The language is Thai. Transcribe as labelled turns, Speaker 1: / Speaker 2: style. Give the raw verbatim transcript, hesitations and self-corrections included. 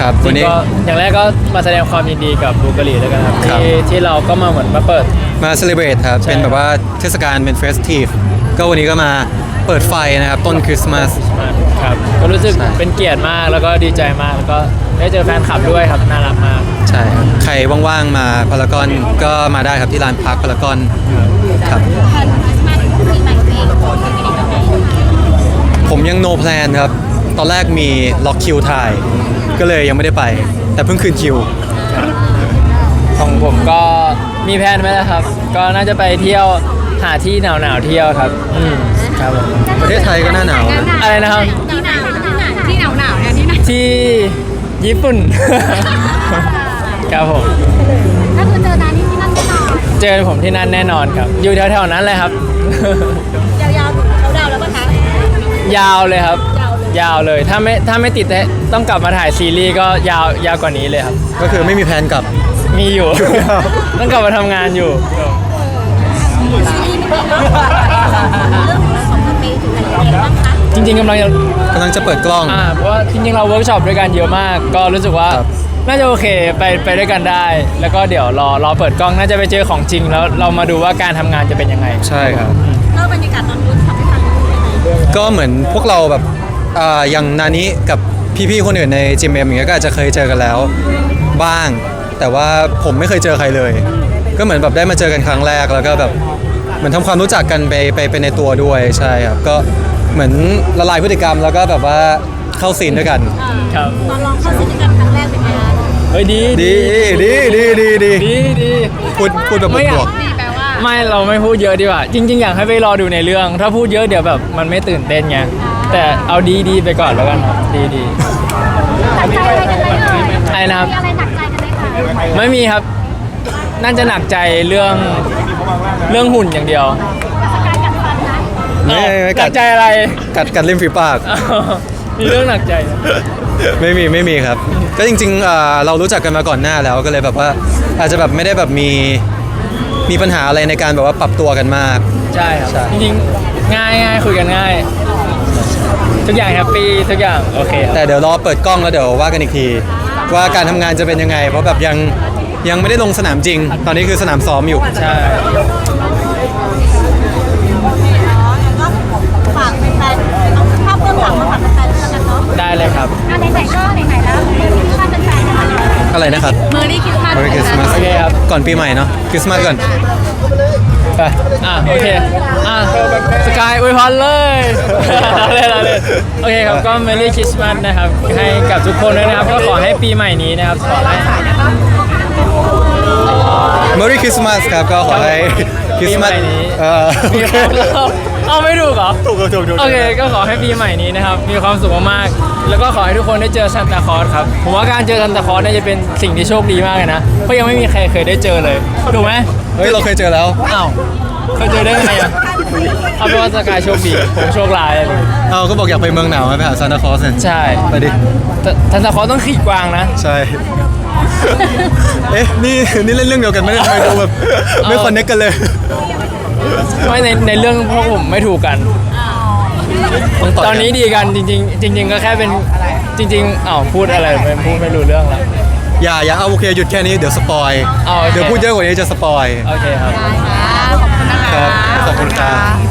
Speaker 1: ครับ
Speaker 2: จ
Speaker 1: วัน
Speaker 2: ริง
Speaker 1: นี้
Speaker 2: ก็อย่างแรกก็มาแสดงความยินดีกับบูการีแล้วกันครับ
Speaker 1: ครับ
Speaker 2: ที่ที่เราก็มาเหมือนมาเปิด
Speaker 1: มาเซเลบรตครับ
Speaker 2: ใช่
Speaker 1: เป็นแบบว่าเทศกาลเป็นเฟสทีฟก็วันนี้ก็มาเปิดไฟนะครับ ต้นคริสต์มาส
Speaker 2: ครับก็รู้สึก
Speaker 1: ใช่
Speaker 2: เป็นเกียรติมากแล้วก็ดีใจมากแล้วก็ได้เจอแฟนคลับด้วยครับน่ารักมาก
Speaker 1: ใช่ครับใครว่างๆมาพารากอนก็มาได้ครับที่ลานพักพารากอนครับ
Speaker 3: แทนคริสต์มาสปีใหม่ตัวเองโอนไปไหนยังไง
Speaker 1: ผมยัง no plan ครับ ตอนแรกมีล็อกคิวถ่าย ก็เลยยังไม่ได้ไป แต่เพิ่งคืนคิว
Speaker 2: ของผมก็มีแผนไว้แล้วครับ ก็น่าจะไปเที่ยวหาที่หนาวหนาวๆเที่ยวครับอืมครับผม
Speaker 1: ประเทศไทยก็หน้าหนาวนะ
Speaker 2: อะไรนะครับ
Speaker 3: ที่หนาวที่หนาวที่หนาวหนาวเนี่ยที่ไหน
Speaker 2: ที่ญี่ปุ่น ครับผม
Speaker 3: ถ้าคือเจอนานี่ที่นั่นแน่นอน
Speaker 2: เจอผมที่นั่นแน่นอนครับ อยู่แถวๆนั้นเลยครับ
Speaker 3: ยาวๆถึงเขาดาวแล้วปะคะ
Speaker 2: ยาวเลยครับ ยาวเลยถ้าไม่ถ้าไม่ติดต้องกลับมาถ่ายซีรีส์ก็ยาวยาวกว่านี้เลยครับ
Speaker 1: ก็คือไม่มีแผนกลับ
Speaker 2: มีอยู่ ต้องกลับมาทำงานอยู่
Speaker 3: ซีรีส์มันเป็นเรื่องของสเปนถึงไหนยังไงบ้างคะ
Speaker 2: จริงๆกำลังจะ
Speaker 1: กำลังจะเปิดกล้อง
Speaker 2: อ่าเพราะว่าจริงๆเราเวิร์กช็อปด้วยกันเยอะมาก ก็รู้สึกว่า
Speaker 1: ครับ
Speaker 2: น่าจะโอเคไปไปด้วยกันได้ แล้วก็เดี๋ยวรอรอเปิดกล้องน่าจะไปเจอของจริงแล้วเรามาดูว่าการทำงานจะเป็นยังไง
Speaker 1: ใช่ครับ
Speaker 3: เล่าบรรยากาศตอนนู้นทำให้ฟังหน่อย
Speaker 1: ก็เหมือนพวกเราแบบอ่าอย่างนานี้กับพี่ๆคนอื่นในจิมเอ็มอย่างเงี้ยก็อาจจะเคยเจอกันแล้วบ้าง แต่ว่าผมไม่เคยเจอใครเลย ก็เหมือนแบบได้มาเจอกันครั้งแรกแล้วก็แบบเหมือนทำความรู้จักกันไปไปไปในตัวด้วยใช่ครับก็เหมือนละลายพฤติกรรมแล้วก็แบบว่าเข้าซีนด้วยกัน
Speaker 2: ครับ
Speaker 3: ตอนลองเข้าซีนด้วยกันครั้งแรกเป็นไงคะ
Speaker 2: เฮ้ยดี
Speaker 1: ดีดีดีดีดี
Speaker 2: ดีดี
Speaker 1: พูดพูดแบบ
Speaker 2: ไม่อยาก
Speaker 1: บวก
Speaker 3: ดีแปลว่า
Speaker 2: ไม่เราไม่พูดเยอะดีกว่า จริง ๆ อยากให้ไปรอดูในเรื่อง ถ้าพูดเยอะเดี๋ยวแบบมันไม่ตื่นเต้นไงแต่เอาดีดีไปก่อนแล้วกันครับดีดี
Speaker 3: หนักใจอะไรกันไหมเอ่ย
Speaker 2: อะไรนะครับ
Speaker 3: มีอะไรหนักใจกันไหมคะ
Speaker 2: ไม่มีครับ น่าจะหนักใจเรื่องเรื่องหุ่นอย่างเดียว
Speaker 3: สกายกัดฟันนะ
Speaker 1: ไม่ไม่
Speaker 2: ห
Speaker 1: กั
Speaker 2: นั
Speaker 1: ด
Speaker 2: กใจอะไร
Speaker 1: กัดกัดริมฝีปาก
Speaker 2: อ้าวมีเรื่องหนักใจนะ
Speaker 1: ไม่มีไม่มีครับ ก็จริงๆเอ่อเรารู้จักกันมาก่อนหน้าแล้วก็เลยแบบว่าอาจจะแบบไม่ได้แบบมีมีปัญหาอะไรในการแบบว่าปรับตัวกันมาก
Speaker 2: ใช่ครับ
Speaker 1: ใช่
Speaker 2: จริงๆง่ายง่ายคุยกันง่าย ทุกอย่างแฮปปี้ทุกอย่างโอเคครับ
Speaker 1: แต่เดี๋ยวรอเปิดกล้องแล้วเดี๋ยวว่ากันอีกที ว่าการทำงานจะเป็นยังไง เพราะแบบยังยังไม่ได้ลงสนามจริง ตอนนี้คือสนามซ้อมอยู่
Speaker 2: ใช่
Speaker 3: ฝากแฟนๆเอาภาพเบื้องหลังมาฝากแฟนๆแล้วกันเนาะ
Speaker 2: ได้เลยครับ
Speaker 3: อ่ะไหนๆก็ไหนๆแล้วถ้าเป็นแฟนกัน
Speaker 1: อะไรนะครับ
Speaker 3: เมอร์รี่คริสต์มาส
Speaker 1: Merry Christmas
Speaker 2: โอเคครับ
Speaker 1: ก่อนปีใหม่เนาะคริสต์มาสก่อนไป
Speaker 2: อ่ะโอเคอ่ะสกายอวยพรเลยเลยเลยโอเคครับก็ Merry Christmas นะครับ ให้กับทุกคนด้วยนะครับ ก็ขอให้ปีใหม่นี้นะครับขอให้
Speaker 1: Merry Christmas ครับก็ขอให้คริสต์มาส
Speaker 2: ปีใหม่นี้
Speaker 1: เอ่อ
Speaker 2: มีความสุขเอาไม่ถูกเหรอ
Speaker 1: ถูกถูกถูก
Speaker 2: โอเค ก็ขอให้ปีใหม่นี้นะครับ มีความสุขมากๆ แล้วก็ขอให้ทุกคนได้เจอซันตาคลอสครับ ผมว่าการเจอซันตาคลอสเนี่ยจะเป็นสิ่งที่โชคดีมากเลยนะ เพราะยังไม่มีใครเคยได้เจอเลย ถูกไหม
Speaker 1: เฮ้ยเราเคยเจอแล้ว
Speaker 2: อ้าวเคยเจอได้ไงอ่ะเอาเป็นว่าสกายโชคดี ผมโชคร้ายอะไรอย่างเงี้ย
Speaker 1: เอาก็บอกอยากไปเมืองหนาวไปหาซานตาคลอสเนี่ย
Speaker 2: ใช่
Speaker 1: ไปดิ
Speaker 2: แต่ซันตาคลอสต้องขี่กวางนะ
Speaker 1: ใช่ เอ๊ะ นี่ นี่เล่นเรื่องเดียวกันไหมเนี่ยทำไมดูแบบไม่คอนเนคกันเลย
Speaker 2: ไม่ในในเรื่องพวกผมไม่ถูกกัน
Speaker 1: ต้องต่อย
Speaker 2: ต
Speaker 1: กั
Speaker 2: อนนี้ดีกันจริง ๆ จริง ๆ ก็แค่เป็นจริงๆอ้าวพูดอะไรไม่พูดไม่รู้เรื่องละ
Speaker 1: อย่าอย่าเอาโอเคหยุดแค่นี้เดี๋ยวสปอย
Speaker 2: เอาโอเค
Speaker 1: เดี๋ยวพูดเยอะกว่านี้จะสปอย
Speaker 2: โอเคครับ
Speaker 3: ได้ค่ะขอบคุณนะคะ
Speaker 1: ครับ ขอบคุณครับ